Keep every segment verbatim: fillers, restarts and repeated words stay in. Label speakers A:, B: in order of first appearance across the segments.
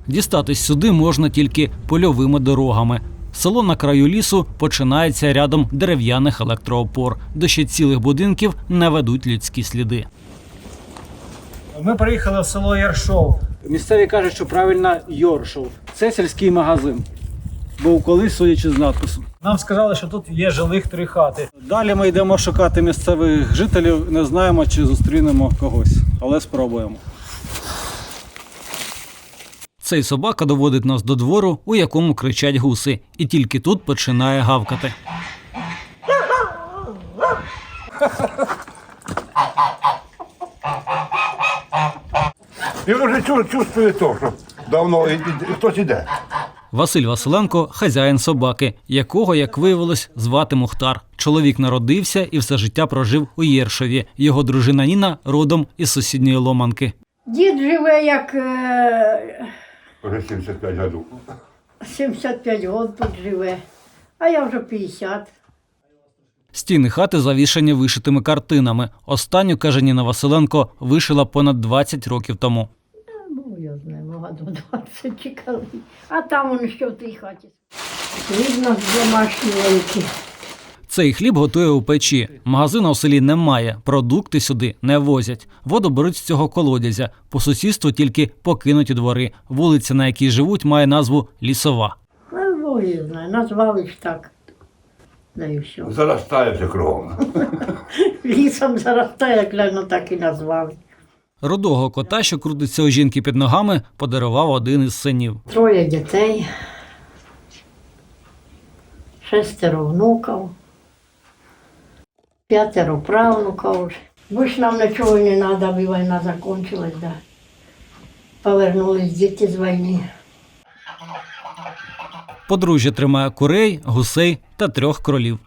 A: Дістатись сюди можна тільки польовими дорогами. Село на краю лісу починається рядом дерев'яних електроопор. До ще цілих будинків не ведуть людські сліди. Ми приїхали в село Яршов. Місцеві кажуть, що правильно Йоршов. Це сільський магазин. Був колись, судячи з надпису. Нам сказали, що тут є жилих три хати. Далі ми йдемо шукати місцевих жителів. Не знаємо, чи зустрінемо когось, але спробуємо. Цей собака доводить нас до двору, у якому кричать гуси. І тільки тут починає гавкати.
B: Я вже чувствую то, що давно хтось іде.
A: Василь Василенко – хазяїн собаки, якого, як виявилось, звати Мухтар. Чоловік народився і все життя прожив у Єршові. Його дружина Ніна родом із сусідньої Ломанки.
C: Дід живе як е...
B: Вже сімдесят п'ять років.
C: сімдесят п'ять років тут живе, а я вже п'ятдесят.
A: Стіни хати завішані вишитими картинами. Останню, каже Ніна Василенко, вишила понад двадцять років тому.
C: Ну, я знаю, могла до двадцять чекали. А там воно що в тій хаті. Видно, домашні великі.
A: Цей хліб готує у печі. Магазину у селі немає, продукти сюди не возять. Воду беруть з цього колодязя. По сусідству тільки покинуті двори. Вулиця, на якій живуть, має назву Лісова.
C: Ну, Бог її знає, назвали ж так. Да і все.
B: Заростає все кругом.
C: Лісом заростає, як гляну, так і назвали.
A: Рудого кота, що крутиться у жінки під ногами, подарував один із синів.
C: Троє дітей, шестеро внуків, п'ятеро правнуків. Бо ж нам нічого не треба, бо війна закінчилась, да. Повернулись діти з війни.
A: Подружжя тримає курей, гусей та трьох кролів.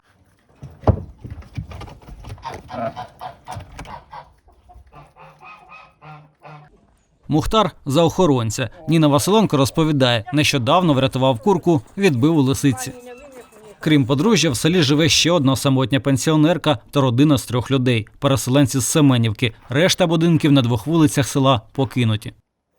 A: Мухтар – за охоронця. Ніна Василенко розповідає, нещодавно врятував курку, відбив у лисиці. Крім подружжя, в селі живе ще одна самотня пенсіонерка та родина з трьох людей – переселенці з Семенівки. Решта будинків на двох вулицях села покинуті.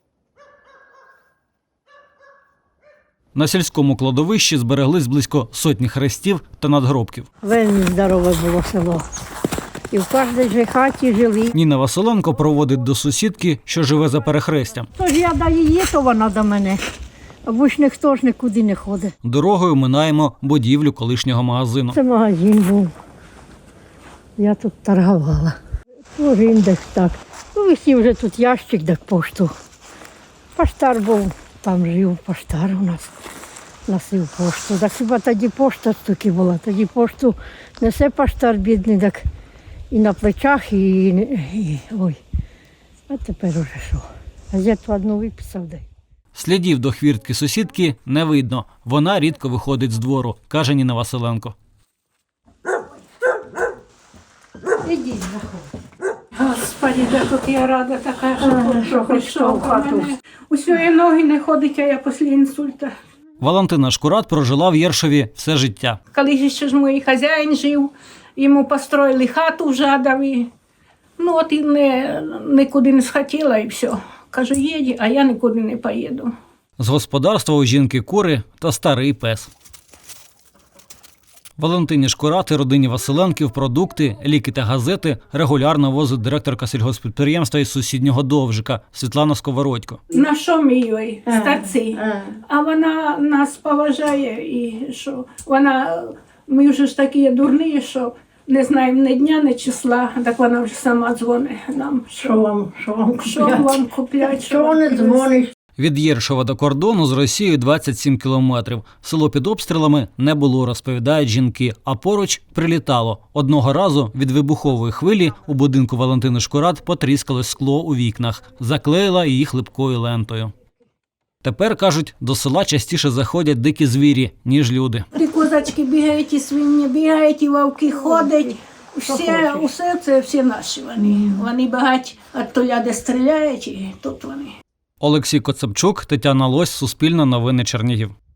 A: На сільському кладовищі збереглись близько сотні хрестів та надгробків.
C: Вельми здорове було село. І в кожній же хаті жили.
A: Ніна Василенко проводить до сусідки, що живе за перехрестям.
C: Тож я до її, то вона до мене. Або ж ніхто ж нікуди не ходить.
A: Дорогою минаємо будівлю колишнього магазину.
C: Це магазин був. Я тут торгувала. Тоже індекс так. Ну, висів вже тут ящик, так пошту. Поштар був, там жив поштар у нас. Носив пошту. Так хіба тоді пошта стільки була. Тоді пошту несе поштар бідний, так і на плечах, і, і ой. А тепер уже що. Газету одну виписав, дай.
A: Слідів до хвіртки сусідки не видно. Вона рідко виходить з двору, каже Ніна Василенко.
C: Ідіть, заходь.
D: Господи, да тут я рада така, що,
C: Ага, що хоч
D: що
C: що в хату.
D: Усьої ноги не ходить, а я після інсульта.
A: Валентина Шкурат прожила в Єршові все життя.
D: Коли ще ж мій хазяїн жив, йому построїли хату в Жадові. Ну от і не, нікуди не схотіла і все. Кажу, їдь, а я нікуди не поїду.
A: З господарства у жінки кури та старий пес. Валентині Шкурат і родині Василенків продукти, ліки та газети регулярно возить директорка сільгосппідприємства із сусіднього Довжика Світлана Сковородько.
D: На що ми їй, старці?
C: Ага.
D: А вона нас поважає і що вона, ми вже ж такі дурні, що не знаємо ні дня, ні числа, так вона вже сама дзвонить нам.
C: Що вам, що вам
D: Що
C: купляти?
D: вам купляти?
C: Що вони дзвонять?
A: Від Єршова до кордону з Росією двадцять сім кілометрів. Село під обстрілами не було, розповідають жінки, а поруч прилітало. Одного разу від вибухової хвилі у будинку Валентини Шкурат потріскалось скло у вікнах, заклеїла її хлипкою лентою. Тепер, кажуть, до села частіше заходять дикі звірі, ніж люди.
D: І козачки бігають, і свині бігають, і вовки ходять. Все, усе це всі наші вони. Вони багать від толя, де стріляють, і тут вони.
A: Олексій Коцепчук, Тетяна Лось, Суспільне новини Чернігів.